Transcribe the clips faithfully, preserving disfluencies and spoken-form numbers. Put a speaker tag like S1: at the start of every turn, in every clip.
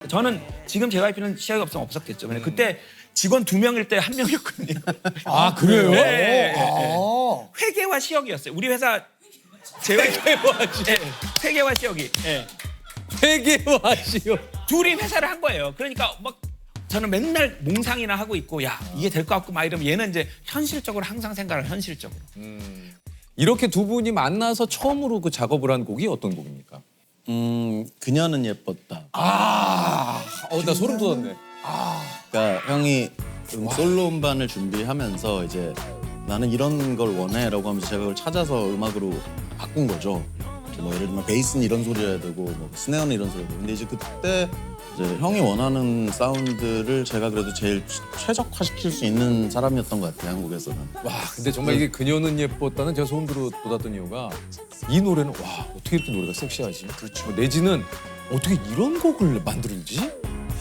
S1: 저는 지금 제이와이피는 시작이 없으면 없었겠죠. 근데 그때 직원 두 명일 때 한 명이었거든요.
S2: 아 그래요?
S1: 네, 네, 네.
S3: 아.
S1: 회계와 시역이었어요. 우리 회사 제이와이피와 시- 네, 회계와 시역이 네.
S2: 회계와 시역.
S1: 둘이 회사를 한 거예요. 그러니까 막 저는 맨날 몽상이나 하고 있고 야 이게 될 것 같고 막 이러면 얘는 이제 현실적으로 항상 생각을 현실적으로.
S2: 이렇게 두 분이 만나서 처음으로 그 작업을 한 곡이 어떤 곡입니까?
S4: 음, 그녀는 예뻤다.
S2: 아, 어, 나 소름 돋았네.
S4: 그러니까 형이 음, 솔로 음반을 준비하면서 이제 나는 이런 걸 원해라고 하면서 제가 그걸 찾아서 음악으로 바꾼 거죠. 뭐 예를 들면 베이스는 이런 소리 해야 되고 뭐 스네어는 이런 소리 해야 되고. 근데 이제 그때 이제 형이 원하는 사운드를 제가 그래도 제일 최적화시킬 수 있는 사람이었던 것 같아요, 한국에서는.
S2: 와, 근데 정말 이게 그녀는 예뻤다는 제가 소름 돋- 돋았던 이유가 이 노래는 와 어떻게 이렇게 노래가 섹시하지? 그렇죠. 내지는 어떻게 이런 곡을 만들지?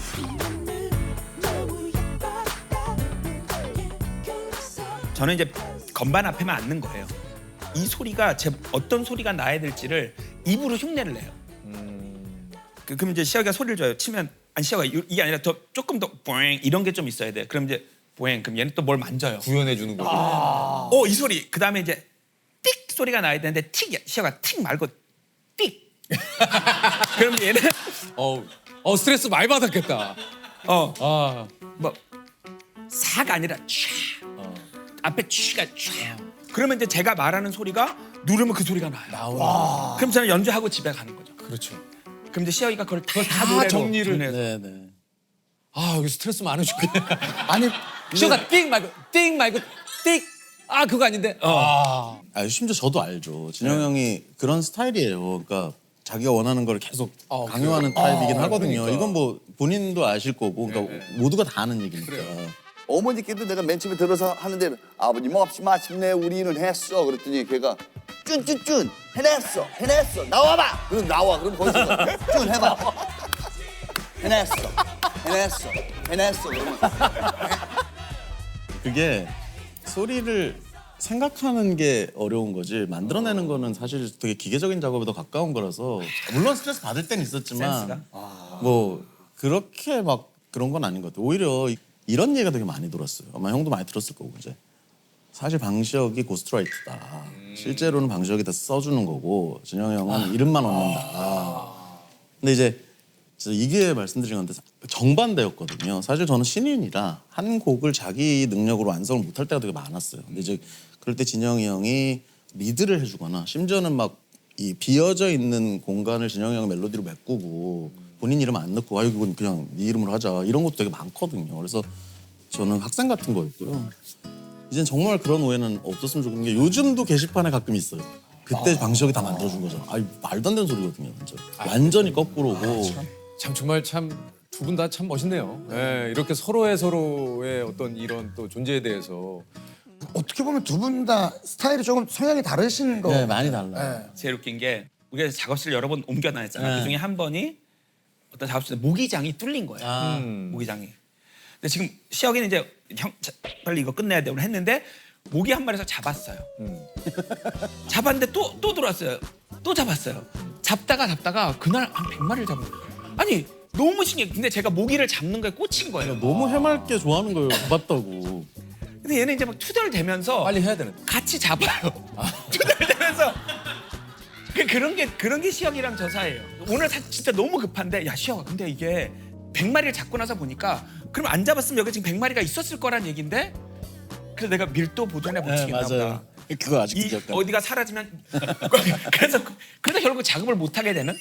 S1: 저는 이제 건반 앞에만 앉는 거예요. 이 소리가 제 어떤 소리가 나야 될지를 입으로 흉내를 내요. 그, 그럼 이제 시아가 소리를 줘요. 치면 아니 시아가 이- 이게 아니라 더 조금 더 보잉 이런 게 좀 있어야 돼. 그럼 이제 보잉 그럼 얘는 또 뭘 만져요.
S2: 구현해 주는 거죠.
S1: 어 이 소리 그 다음에 이제 띡 소리가 나야 되는데 틱 시아가 틱 말고 띡. 그럼 얘는
S2: 어, 어 스트레스 많이 받았겠다.
S1: 어
S2: 아,
S1: 뭐 사가 아니라 촤 앞에 촤가 촤 그러면 이제 제가 말하는 소리가 누르면 그 소리가 나요.
S2: 나오네.
S1: 그럼 저는 연주하고 집에 가는 거죠.
S2: 그렇죠.
S1: 그럼 이제 시아이가 그걸 다,
S2: 다
S1: 노래로
S2: 정리를-
S1: 정리해서.
S4: 네네.
S2: 아 여기 스트레스 많으시겠네.
S3: 아니
S2: 시어가 띵 말고 띵 말고 띵. 아 그거 아닌데. 아.
S4: 아, 심지어 저도 알죠. 진영 형이 그런 스타일이에요. 그러니까 자기가 원하는 걸 계속
S2: 아,
S4: 강요하는
S2: 그래요?
S4: 타입이긴
S2: 아,
S4: 하거든요.
S2: 그러니까.
S4: 이건 뭐 본인도 아실 거고, 그러니까 모두가 다 아는 얘기니까.
S5: 어머니께도 내가 맨 처음에 들어서 하는데 아버님 없이 마침내 우리는 했어 그랬더니 걔가 쭌쭌쭌 해냈어 해냈어 나와봐 그럼 나와 그럼 거기서 쭌 해봐 해냈어 해냈어 해냈어 그러면
S4: 그게 소리를 생각하는 게 어려운 거지 만들어내는 거는 사실 되게 기계적인 작업에 더 가까운 거라서 물론 스트레스 받을 땐 있었지만
S1: 센스가?
S4: 뭐 그렇게 막 그런 건 아닌 것 같아요. 오히려 이런 얘기가 되게 많이 들었어요. 아마 형도 많이 들었을 거고 이제 사실 방시혁이 고스트라이트다. 실제로는 방시혁이 다 써주는 거고 진영이 형은 이름만 얻는다. 근데 이제 그래서 이게 말씀드린 건데 정반대였거든요. 사실 저는 신인이라 한 곡을 자기 능력으로 완성을 못할 때가 되게 많았어요. 근데 이제 그럴 때 진영이 형이 리드를 해주거나 심지어는 막 이 비어져 있는 공간을 진영이 형이 멜로디로 메꾸고 본인 이름 안 넣고 아 이건 그냥 네 이름으로 하자 이런 것도 되게 많거든요. 그래서 저는 학생 같은 거였고요. 이젠 정말 그런 오해는 없었으면 좋겠는 게 요즘도 게시판에 가끔 있어요. 그때 방시혁이 다 만들어준 거죠. 아 말도 안 되는 소리거든요, 진짜. 완전히 거꾸로고.
S2: 참 정말 참 두 분 다 참 멋있네요. 예, 이렇게 서로의 서로의 어떤 이런 또 존재에 대해서
S3: 어떻게 보면 두 분 다 스타일이 조금 성향이 다르신 거.
S4: 네, 많이 달라요.
S3: 네.
S1: 제일 웃긴 게 우리가 작업실 여러 번 옮겨 다녔잖아요.
S4: 네.
S1: 그 중에 한 번이 어떤 작업실에 모기장이 뚫린 거예요.
S4: 아.
S2: 음.
S1: 모기장이. 근데 지금 시혁이는 이제 형 자, 빨리 이거 끝내야 돼. 오늘 했는데 모기 한 마리에서 잡았어요. 잡았는데 또 또 들어왔어요. 또 잡았어요. 잡다가 잡다가 그날 한 백 마리를 잡은 거예요. 아니 너무 신기해. 근데 제가 모기를 잡는 거에 꽂힌 거예요.
S4: 너무 해맑게 좋아하는 거예요. 잡았다고.
S1: 근데 얘는 이제 막 투덜대면서
S2: 빨리 해야 되는데.
S1: 같이 잡아요. 투덜대면서 그 그런 게 그런 게 시혁이랑 저 사이예요. 오늘 사, 진짜 너무 급한데 야 시혁아 근데 이게 백 마리를 잡고 나서 보니까 그럼 안 잡았으면 여기 지금 백 마리가 있었을 거란 얘긴데 그래서 내가 밀도 보존해 못
S4: 네,
S1: 치겠나 보다.
S4: 맞아요. 그거 아직도
S1: 이
S4: 기억나.
S1: 어디가 사라지면 그래서 그래서 결국 작업을 못 하게 되는.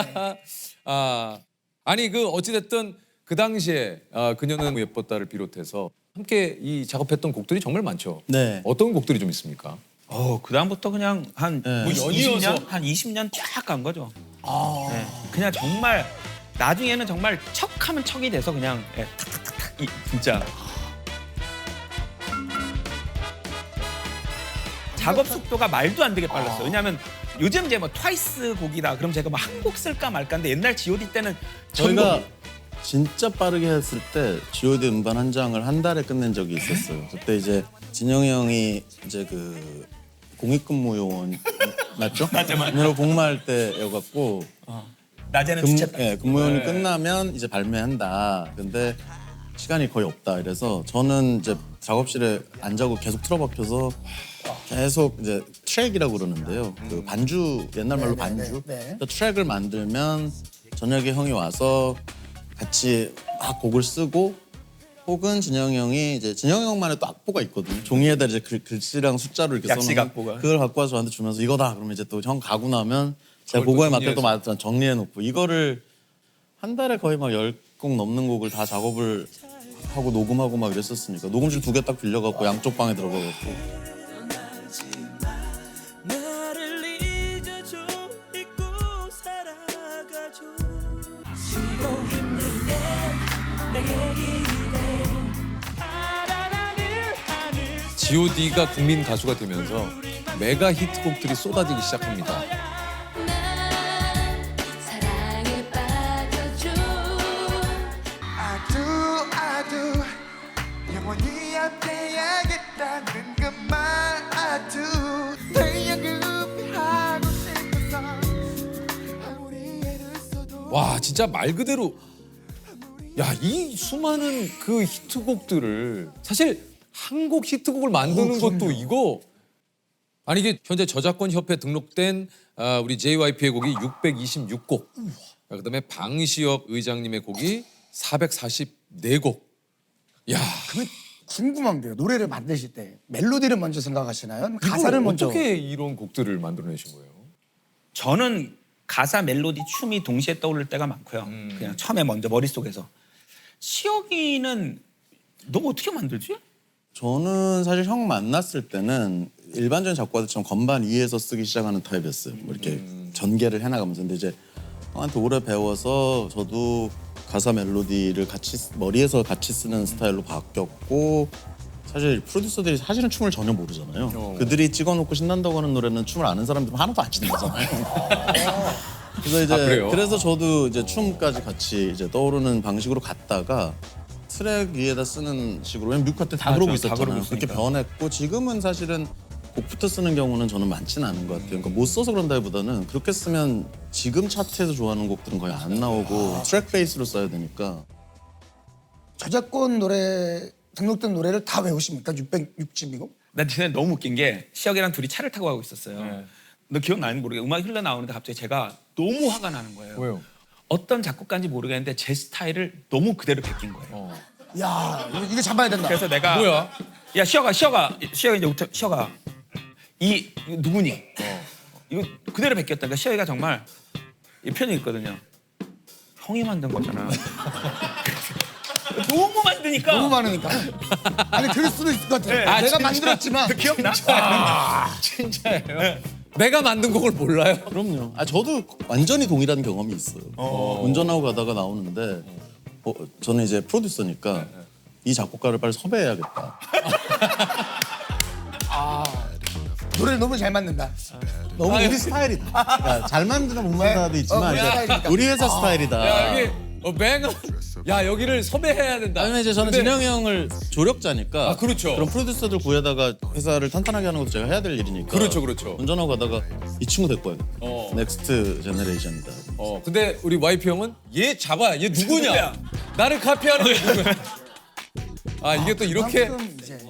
S2: 아 아니 그 어찌 됐든 그 당시에 아, 그녀는 예뻤다를 비롯해서 함께 이 작업했던 곡들이 정말 많죠.
S4: 네.
S2: 어떤 곡들이 좀 있습니까?
S1: 어 그다음부터 그냥 한
S4: 네.
S1: 뭐
S2: 연이어서.
S1: 이십 년 한 이십 년 쫙 간 거죠. 네. 그냥 정말 나중에는 정말 척하면 척이 돼서 그냥 예, 탁탁탁탁 이, 진짜 작업 속도가 말도 안 되게 빨랐어요. 왜냐하면 요즘 이제 뭐 트와이스 곡이다 그럼 제가 뭐 한 곡 쓸까 말까인데 옛날 지오디 때는
S4: 저희가
S1: 전곡.
S4: 진짜 빠르게 했을 때 지오디 음반 한 장을 한 달에 끝낸 적이 있었어요. 그때 이제 진영이 형이 이제 그 공익근무 요원 맞죠?
S1: 맞아, 맞아.
S4: 으로 복무할 때여갖고
S1: 낮에는
S4: 근,
S1: 주체.
S4: 예, 근무요원이 끝나면 이제 발매한다. 근데 시간이 거의 없다. 이래서 저는 이제 작업실에 안 자고 계속 틀어박혀서 계속 이제 트랙이라고 그러는데요. 그 반주 옛날 말로
S3: 네, 네,
S4: 반주.
S3: 네, 네.
S4: 그 트랙을 만들면 저녁에 형이 와서 같이 막 곡을 쓰고 혹은 진영이 형이 이제 진영이 형만의 또 악보가 있거든요. 종이에다 이제 글, 글씨랑 숫자로 이렇게
S1: 약식
S4: 써놓은
S1: 악보가.
S4: 그걸 갖고 와서 저한테 주면서 이거다. 그러면 이제 또 형 가고 나면 제가
S2: 그걸 또
S4: 그거에 맞게 또
S2: 정리해서.
S4: 맞- 정리해놓고 이거를 한 달에 거의 막 열 곡 넘는 곡을 다 작업을 하고 녹음하고 막 이랬었으니까 녹음실 두 개 딱 빌려갖고 양쪽 방에 들어가갖고
S6: 나를 잊어줘 잊고 살아가줘 쉬고 힘들 때 내게 기대 알아나는 하늘
S2: 지오디가 국민 가수가 되면서 메가 히트곡들이 쏟아지기 시작합니다.
S7: 난 사랑에 빠져줘
S8: I do, I do. 영원히 함께하겠다는 그 말 I do. 널 영급하고 싶어서 아무리 애를 써도
S2: 와 진짜 말 그대로 야 이 수많은 그 히트곡들을 사실 한 곡 히트곡을 만드는 것도 이거 아니 이게 현재 저작권 협회 등록된 아, 우리 제이와이피의 곡이 육백이십육 곡 아, 그다음에 방시혁 의장님의 곡이 사백사십사 곡. 야
S3: 궁금한 게요. 노래를 만드실 때 멜로디를 먼저 생각하시나요? 아니면
S2: 이거
S3: 가사를 먼저.
S2: 어떻게 이런 곡들을 만들어내신 거예요?
S1: 저는 가사, 멜로디, 춤이 동시에 떠오를 때가 많고요. 그냥 처음에 먼저 머릿속에서. 시혁이는 너 어떻게 만들지?
S4: 저는 사실 형 만났을 때는 일반적인 작곡가들처럼 건반 위에서 쓰기 시작하는 타입이었어요. 뭐 이렇게 전개를 해나가면서. 근데 이제 형한테 오래 배워서 저도 가사 멜로디를 같이 쓰- 머리에서 같이 쓰는 스타일로 바뀌었고 사실 프로듀서들이 사실은 춤을 전혀 모르잖아요.
S2: 어.
S4: 그들이 찍어놓고 신난다고 하는 노래는 춤을 아는 사람들은 하나도 안 신나잖아요. 그래서 이제
S2: 아, 그래요?
S4: 그래서 저도 이제 춤까지 같이 이제 떠오르는 방식으로 갔다가 트랙 위에다 쓰는 식으로 왜냐면 뮤카 때 다
S1: 아,
S4: 그러고
S1: 저 다
S4: 있었잖아요.
S1: 그러고
S4: 그렇게
S1: 있으니까.
S4: 변했고 지금은 사실은 곡부터 쓰는 경우는 저는 많지는 않은 것 같아요. 그러니까 못 써서 그런다기보다는 그렇게 쓰면 지금 차트에서 좋아하는 곡들은 거의 안 나오고 트랙 베이스로 써야 되니까
S3: 저작권 노래 등록된 노래를 다 외우십니까? 육백육 곡?
S1: 나 진짜 너무 웃긴 게 시혁이랑 둘이 차를 타고 가고 있었어요.
S2: 네.
S1: 너 기억나는지 모르겠어. 음악이 흘러나오는데 갑자기 제가 너무 화가 나는 거예요.
S2: 왜요?
S1: 어떤 작곡가인지 모르겠는데 제 스타일을 너무 그대로 베낀 거예요.
S2: 어.
S3: 야, 이거, 이거 잡아야 된다.
S1: 그래서 내가
S2: 뭐야?
S1: 야 시혁아 시혁아 시혁아 이제부터 시혁아 이 이거 누구니?
S2: 어.
S1: 이거 그대로 베꼈다. 그러니까 시혁이가 정말 이 표현이 있거든요. 형이 만든 거잖아. 너무 만드니까.
S3: 너무 많으니까. 아니 그럴 수도 있을 것 같아.
S1: 네.
S3: 내가
S1: 아, 진짜?
S3: 만들었지만
S1: 너 기억나?
S2: 진짜예요? 내가 만든 곡을 몰라요?
S4: 그럼요. 아 저도 완전히 동일한 경험이 있어요. 운전하고 가다가 나오는데 어, 저는 이제 프로듀서니까 이 작곡가를 빨리 섭외해야겠다.
S3: 노래를 너무 잘 만든다.
S4: 너무 우리 스타일이다. 그러니까 잘 만드나 못 만드나도 있지만
S3: 어, 우리
S4: 이제
S3: 스타일이니까.
S4: 우리 회사 스타일이다.
S2: 야 여기 어, 맹. 야 여기를 섭외해야 된다.
S4: 아니면 이제 저는
S2: 근데-
S4: 진영이 형을 조력자니까.
S2: 아, 그렇죠.
S4: 그럼 프로듀서들 구해다가 회사를 탄탄하게 하는 것도 제가 해야 될 일이니까.
S2: 그렇죠, 그렇죠.
S4: 운전하고 가다가 이 친구 데리고 와야겠다.
S2: 어.
S4: 넥스트 제너레이션이다.
S2: 어 근데 우리 와이프 형은 얘 잡아. 얘 누구냐?
S1: 누구야?
S2: 나를 카피하는 게 누구야? 아 이게 또 이렇게
S3: 그만큼 이제